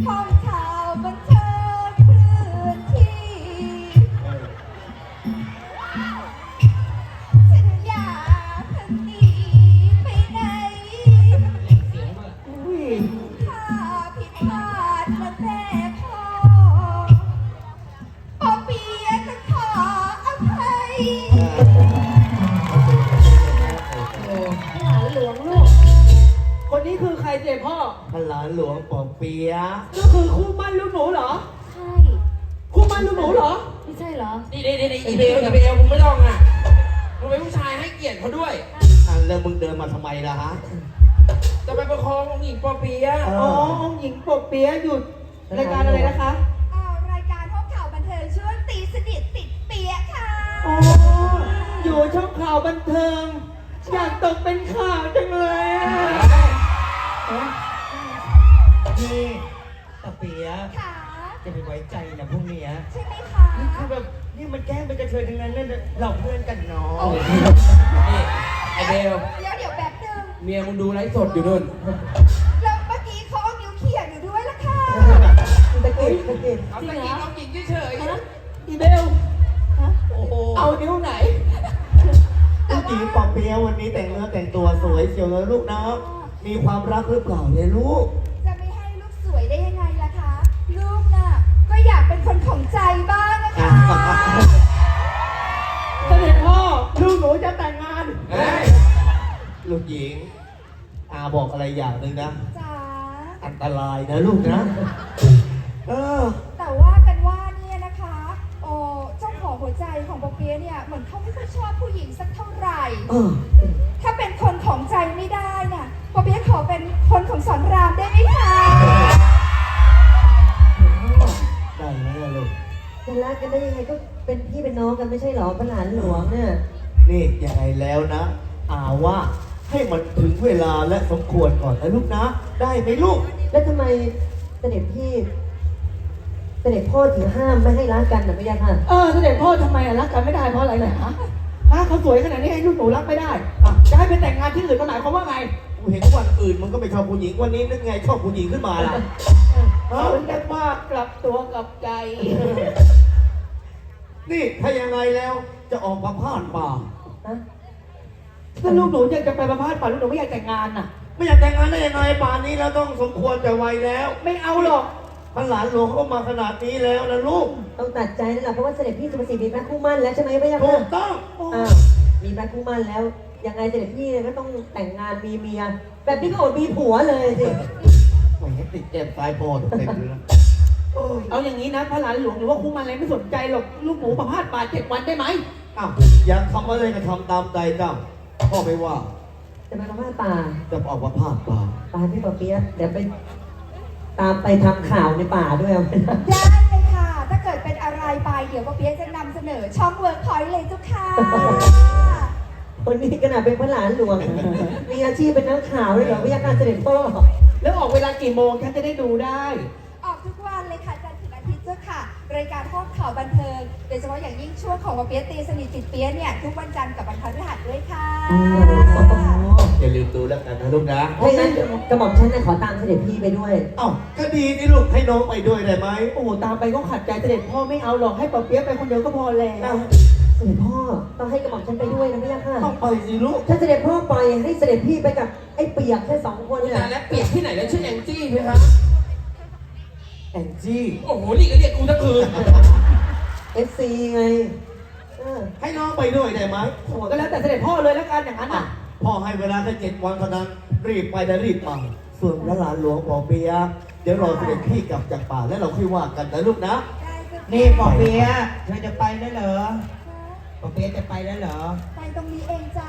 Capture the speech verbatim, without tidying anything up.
ห้องข่าวบันเทิงเคลื่อนที่ฉันอยากพันหนีไปไหนถ้าผิดพลาดและแม่พ่อปอเปียะจะขออภัยหลานหลวงลูกคนนี้คือใครเจ๊พ่อพระหลานหลวงปอเปียะก็คือคู่มั่นลูกหนูเหรอใช่คู่มั่นลูกหนูเหรอไม่ใช่เหรอนี่นี่นี่อีเบลอีเบลมึงไม่ต้องอ่ะมึงเป็นผู้ชายให้เกียรติเขาด้วยอ่ะแล้วมึงเดินมาทำไมล่ะฮะจะไปประคององค์หญิงปอเปียะอ๋อองค์หญิงปอเปียะหยุดรายการอะไรนะคะอ่ารายการห้องข่าวบันเทิงช่วงตีสนิทติดเปียะค่ะอ๋ออยู่ช่องข่าวบันเทิงอยากตกเป็นข่าวจังเลยอ่ะนี่ปอเปียะค่ะจะไปไว้ใจนะพวกเนี้ยใช่ไหมคะนี่คือแบบนี่มันแกล้งเป็นกระเทยทั้งนั้นนั่นเราเพื่อนกันเนาะนี่ไอเบลเดี๋ยวเดี๋ยวแป๊บนึงเมียมึงดูไลฟ์สดอยู่นู่นแล้วเมื่อกี้เขาเอานิ้วเขี่ยอยู่ด้วยล่ะค่ะตะเกียบตะเกียบเอาตะกี้น้องหญิงเฉยๆอีเบลโอ้โหเอานิ้วไหนผู้หญิงปอเปียะวันนี้แต่งเนื้อแต่งตัวสวยเชียวเลยลูกนะมีความรักหรือเปล่าเนี่ยลูกจะไม่ให้ลูกสวยได้ยังไงล่ะคะลูกน่ะก็อยากเป็นคนของใจบ้างนะคะเสด็จพ่อลูกหนูจะแต่งงานลูกหญิงอาบอกอะไรอย่างหนึ่งนะจ๋าอันตรายนะลูกนะเออแต่ว่ากันว่าเนี่ยนะคะโอ้เจ้าของหัวใจของปอเปียะเนี่ยเหมือนเขาไม่ค่อยชอบผู้หญิงสักเท่าไหร่ถ้าเป็นคนของใจไม่ได้เนี่ยปอเปียะขอเป็นคนของสอนรามได้ไหมคะได้ไหมล่ะลูกจะรักกันได้ยังไงก็เป็นพี่เป็นน้องกันไม่ใช่หรอพระหลานหลวงเนี่ยนี่ยังไงแล้วนะอาว่าให้มันถึงเวลาและสมควรก่อนนะลูกนะได้ไหมลูกแล้วทำไมเสด็จพี่เสด็จพ่อถึงห้ามไม่ให้รักกันนะพี่ยักษ์ค่ะเออเสด็จพ่อทำไมรักกันไม่ได้เพราะอะไรเนี่ยฮะฮะเขาสวยขนาดนี้ให้ลูกหนูรักไม่ได้อ่ะจะให้ไปแต่งงานที่อื่นก็หมายความว่าไงกูเห็นวันอื่นมันก็ไม่ชอบผู้หญิงวันนี้นึกไงชอบผู้หญิงขึ้นมาล่ะเขาเรียกว่ากลับตัวกลับใจนี่ถ้ายังไงแล้วจะออกมาพาดป่าถ้าลูกหนูอยากจะไปประพาสป่าลูกหนูไม่อยากแต่งงานน่ะไม่อยากแต่งงานได้ยังไงป่านนี้แล้วต้องสมควรแต่วัยแล้วไม่เอาหรอกพระหลานหลวงเขามาขนาดนี้แล้วนะลูกต้องตัดใจนั่นแหละเพราะว่าเสด็จพี่สุภสิทธิ์มีพระคู่มั่นแล้วใช่ไหมพี่ยักษ์ถูกต้องอ้าวมีพระคู่มั่นแล้วยังไงเสด็จพี่เนี่ยก็ต้องแต่งงานมีเมียแบบนี้ก็อดมีผัวเลยสิแหมติดแก้มซ้ายพอเต็มเลยนะเอาอย่างนี้นะพระหลานหลวงหรือว่าคู่มั่นอะไรไม่สนใจหรอกลูกหนูประพาสป่าเจ็ดวันได้ไหมอ้าวอยากทำอะไรก็ทำตามใจเจ้าพ่อไม่ว่าจะไปประพาสป่าจะออกมาพาดป่าป่าพี่ปอเปี๊ยะเดี๋ยวไปตามไปทำข่าวในป่าด้วยเอาได้เลยค่ะถ้าเกิดเป็นอะไรไปเดี๋ยวปอเปียะจะนำเสนอช่องเวิร์กพอยต์เลยทุกค่ะคนนี้ขนาดเป็นพระหลานหลวงมีอาชีพเป็นนักข่าวเลยเหรอพี่ยักษ์การเสด็จพ่อแล้วออกเวลากี่โมงฉันจะได้ดูได้ออกทุกวันเลยค่ะจันทร์ถึงอาทิตย์เจ้าค่ะรายการห้องข่าวบันเทิงโดยเฉพาะอย่างยิ่งช่วงของปอเปียะตีสนิทติดเปียะเนี่ยทุกวันจันทร์กับวันพฤหัสด้วยค่ะอย่าลืมดูแล้วกันนะลูกนะไม่งั้นกระหม่อมฉันจะขอตามเสด็จพี่ไปด้วยเอ้าก็ดีนี่ลูกให้น้องไปด้วยได้ไหมโอ้โหตามไปก็ขัดใจเสด็จพ่อไม่เอาหรอกให้ปอเปี๊ยะไปคนเดียวก็พอแล้วเสด็จพ่อต้องให้กระหม่อมฉันไปด้วยนะพี่ยักษ์ค่ะต้องไปสิลูกถ้าเสด็จพ่อไปให้เสด็จพี่ไปกับไอ้เปียกแค่สองคนเนี่ยแล้วเปียกที่ไหนแล้วชื่อแองจี้ไหมครับแองจี้โอ้โหนี่ก็เรียกกูทั้งคืนเอฟซีไงให้น้องไปด้วยได้ไหมโอ้ก็แล้วแต่เสด็จพ่อเลยแล้วกันอย่างนั้นอ่ะพ่อให้เวลาแค่เจ็ดวันเท่านั้นรีบไปแต่รีบมาส่วนพระหลานหลวงปอเปียะเดี๋ยวรอเสด็จพี่กลับจากป่าแล้วเราค่อยว่ากันนะลูกนะนี่ปอเปียะเธอจะไปแล้วเหรอปอเปียะจะไปแล้วเหรอไปตรงนี้เองจ้ะ